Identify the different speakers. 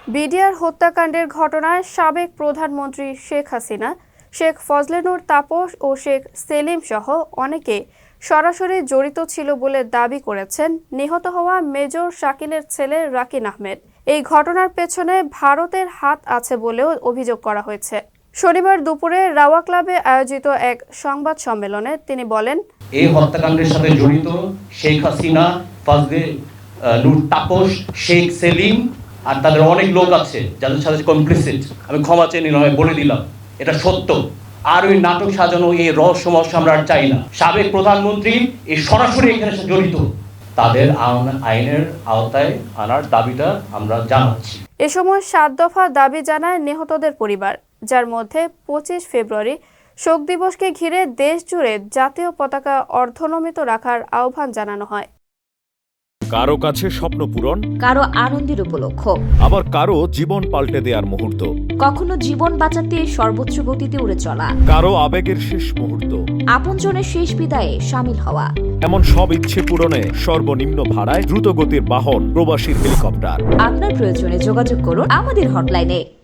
Speaker 1: BDR হত্যাকাণ্ডের ঘটনায় সাবেক প্রধানমন্ত্রী শেখ হাসিনা, শেখ ফজলেনুর তাপস ও শেখ সেলিম সহ অনেকে সরাসরি জড়িত ছিল বলে দাবি করেছেন নিহত হওয়া মেজর শাকিলের ছেলে রাকিন আহমেদ। এই ঘটনার পেছনে ভারতের হাত আছে বলেও অভিযোগ করা হয়েছে। শনিবার দুপুরে রাওয়া ক্লাবে আয়োজিত এক সংবাদ সম্মেলনে তিনি বলেন,
Speaker 2: এই হত্যাকাণ্ডের সাথে জড়িত শেখ হাসিনা, ফজলেনুর তাপস, শেখ সেলিম আর তাদের অনেক লোক আছে যাদের সাথে কমপ্লিসিট। আমি ক্ষমা চেয়ে নিলাম, বলে দিলাম এটা সত্য। আর ওই নাটক সাজানো, এই রহস্যময় আমরা আর চাই না। সাবেক প্রধানমন্ত্রী এই সরাসরি এখানে জড়িত, তাদের আইনের আওতায় আনার দাবিটা আমরা জানাচ্ছি।
Speaker 1: এ সময় 7 দফা দাবি জানায় নিহতদের পরিবার, যার মধ্যে 25 ফেব্রুয়ারি শোক দিবসকে ঘিরে দেশ জুড়ে জাতীয় পতাকা অর্ধনমিত রাখার আহ্বান জানানো হয়।
Speaker 3: কারো কাছে স্বপ্ন পূরণ,
Speaker 4: কারো আনন্দের উপলক্ষ,
Speaker 3: আবার কারো জীবন পাল্টে দেওয়ার মুহূর্ত,
Speaker 4: কখনো জীবন বাঁচাতে সর্বোচ্চ গতিতে উড়ে চলা,
Speaker 3: কারো আবেগের শেষ মুহূর্ত,
Speaker 4: আপনজনের শেষ বিদায়ে শামিল হওয়া।
Speaker 3: এমন সব ইচ্ছে পূরণে সর্বনিম্ন ভাড়ায় দ্রুতগতির বাহন প্রবাসীর হেলিকপ্টার।
Speaker 4: আপনার প্রয়োজনে যোগাযোগ করুন আমাদের হটলাইনে।